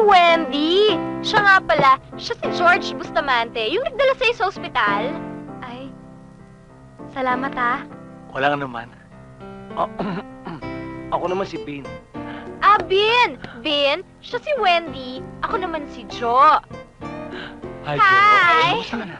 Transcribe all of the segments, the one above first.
Wendy! Siya nga pala, siya si George Bustamante, yung nagdala sa'yo sa ospital. Ay, salamat ah. Wala nga naman. Ako naman si Bean. Ah, Bin! Bin, siya si Wendy. Ako naman si Jo. Hi, Hi! Kamusta ka na?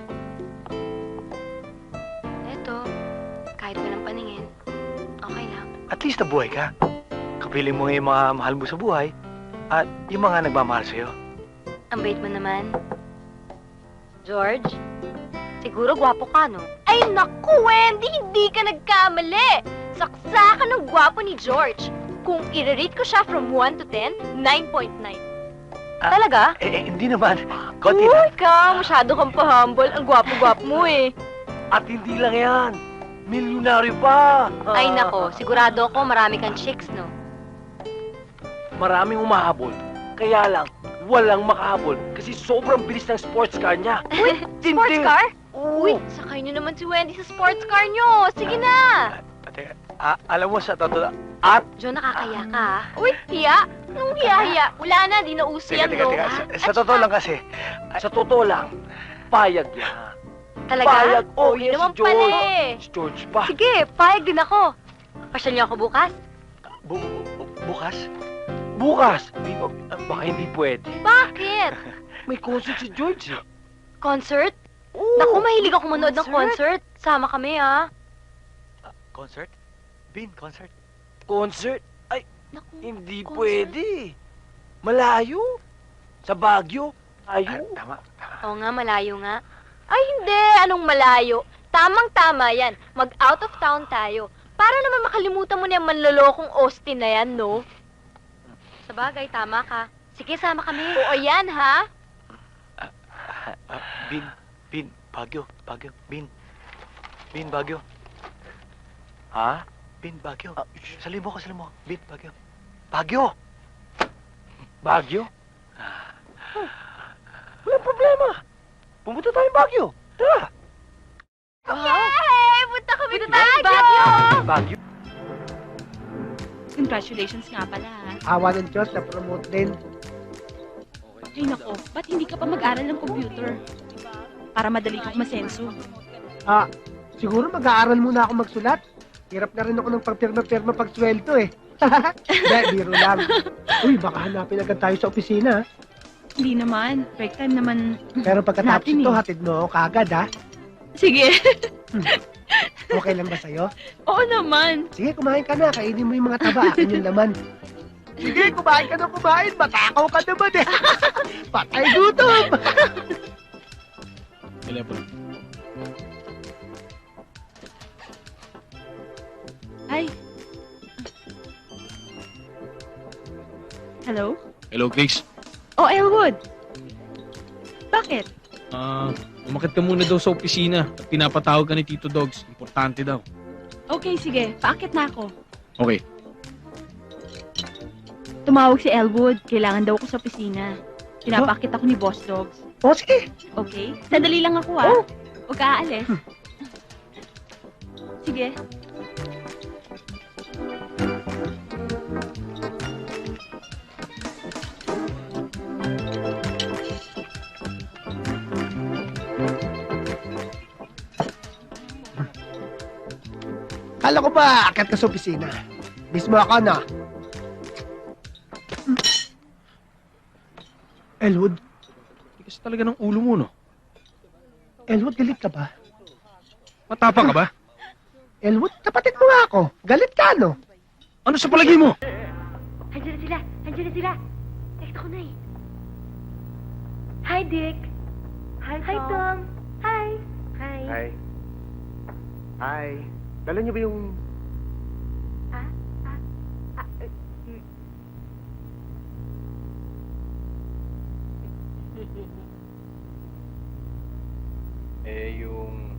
Eto, kahit walang paningin, okay lang. At least nabuhay ka. Kapiling mo yung mga mahal mo sa buhay at yung mga nagmamahal sa'yo. Ang bait mo naman. George, siguro gwapo ka, no? Ay, naku, Wendy! Hindi ka nagkamali! Saksa ka ng gwapo ni George. Kung i-rate ko siya from 1 to 10, 9.9. Ah, Talaga? Hindi naman. Konti Uy, lang. ka! Masyado kang pa-humble. Ang gwapo-gwapo mo eh. At hindi lang yan. Milyonaryo pa. Ay, nako. Sigurado ako marami kang chicks, no? Maraming umahabol. Kaya lang, walang makahabol kasi sobrang bilis ng sports car niya. Uy, Tindi. sports car? Oo. Uy, sakay niyo naman si Wendy sa sports car niyo. Sige na. Teka, alam mo sa totoo, at... Jo, nakakaya ka, ah. Uy, hiya? Anong hiya-hiya? Wala na, di na uso yan, no? Sa totoo lang kasi, sa totoo lang, payag yan. Talaga? Payag, oh, Uy, yes, naman si George. pala eh. Si George pa. Sige, payag din ako. Pasyal niyo ako bukas? Bukas? Bukas? Baka hindi pwede. Bakit? May concert si George eh. Concert? Oo, Naku, mahilig ako manood ng concert. Sama kami, ah. Concert? Bin, concert? Concert? Naku, Hindi concert. pwede. Malayo. Sa Baguio. Tama. Oo nga, malayo nga. Ay, hindi. Anong malayo? Tamang-tama yan. Mag-out of town tayo. Para naman makalimutan mo na yung manlolokong Austin na yan, no? Sa bagay, tama ka. Sige, sama kami. Oo, yan, ha? Bin, Baguio, Bin. Bin, Baguio. Ha? Bin, Baguio. Salim mo. Bin, Baguio. Baguio! Baguio? Walang problema. Pumunta tayong Baguio. Tara. Yay! Punta kami sa Baguio! Baguio? Congratulations nga pala, ha? Awa ng Diyos, na-promote din. Ay nako, ba't hindi ka pa mag-aral ng computer? Para madali kang masenso. Siguro mag-aaral muna ako magsulat. Hirap na rin ako ng pagpirma-pirma pag sweldo eh. Hindi, biro lang. Uy, baka hanapin agad tayo sa opisina. Hindi naman, break time naman. Pero pagkatapos Natin ito, eh. hatid mo ako kagad ha. Sige. Okay lang ba sa'yo? Oo naman. Sige, kumain ka na. Kainin mo yung mga taba. Akin yung laman. Sige, kumain ka na kumain. Matakaw ka naman eh. Patay gutom. Ay. Hello? Hello, Grace. Oh, Elwood. Bakit? Umakit ka muna daw sa opisina at pinapatawag ka ni Tito Dogs. Importante daw. Okay, sige. Paakit na ako. Okay. Tumawag si Elwood. Kailangan daw ako sa opisina. Pinapakit ako ni Boss Dogs. O, sige. Okay? Sandali lang ako, ha? Oh. Huwag ka aalis. Sige. Kala ko ba, akit ka sa opisina. Mismo ako na. Elwood, Tigas talaga ng ulo mo, no? Elwood, galit ka ba? Matapang ka ba? Elwood, kapatid mo nga ako. Galit ka, no? Ano sa palagi mo? Andiyan na sila. Text ako na eh. Hi, Dick. Hi, Tom. Hi. Hi. Dala niyo ba yung... yung...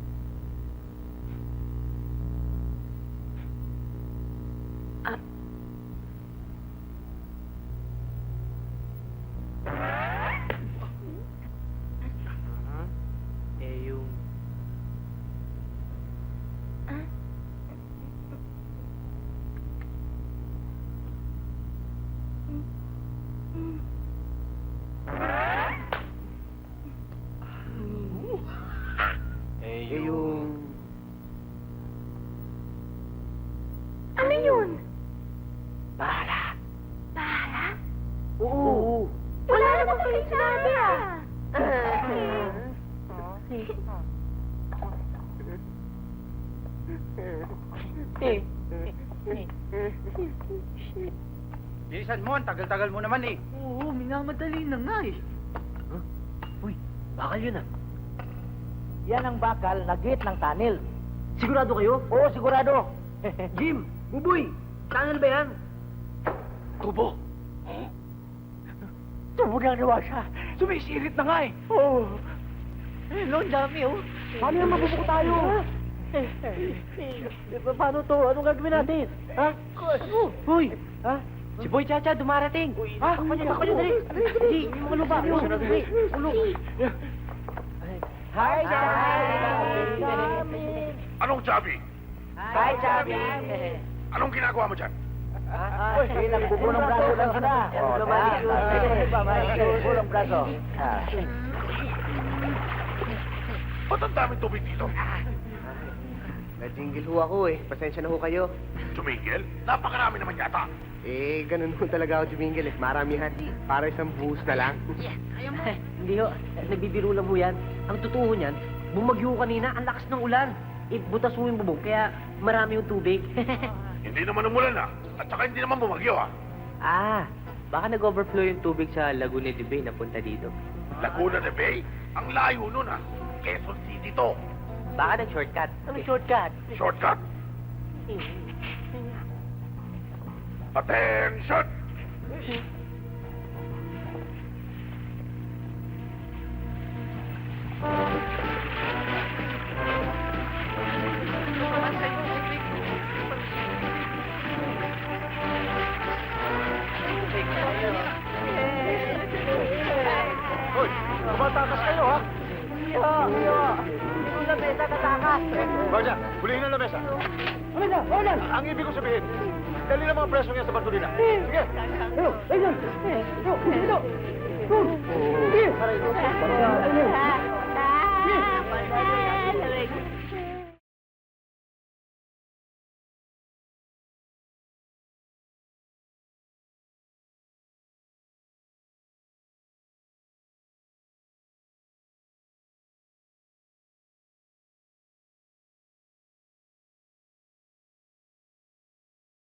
yung... Bilisan mo, ang tagal-tagal mo naman eh. Oo, minamadali na nga eh. Uy, bakal yun ah. Yan ang bakal na gate ng tunnel. Sigurado kayo? Oo, sigurado. Jim, Buboy, tunnel ba yan? Tubo. Tubo na nawa siya. Sumisirit na nga eh. Oo. Hello, ang dami oh. Paano yan mabubuko tayo? Paano to? Anong gagawin natin? Ha? Uy! Ha? Si Boy Chacha dumarating. Ha? Takpan niyo, dali. Hindi, yung mga lupa. Ulog. Hi, Chabi! Anong Chabi? Hi, Chabi! Anong ginagawa mo dyan? Uy, nagbubuo ng braso lang sila. Nagbubuo ng braso. Ba't ang daming tubig dito? Na-jingle ho ako eh. Pasensya na ho kayo. Tumigil? Napakarami naman yata. Eh, ganun ho talaga ako jumingil eh. Maramihan. Para isang buhos na lang. Hindi ho, nagbibiro lang ho yan. Ang totoo niyan, bumagyo kanina, ang lakas ng ulan. Butas ho yung bubong, kaya marami yung tubig. Hindi naman umulan ah. At saka hindi naman bumagyo ah. Baka nag-overflow yung tubig sa Laguna de Bay na punta dito. Laguna de Bay? Ang layo nun ah. Quezon City to. Baka nag-shortcut. Anong shortcut? Shortcut? Attention! Hoy, tumatakas kayo ha? Yung lamesa katakas. Guardia, hulihin ang lamesa. Ang ibig ko sabihin, dali na mga preso niya sa Bartolina. Sige! Ayun!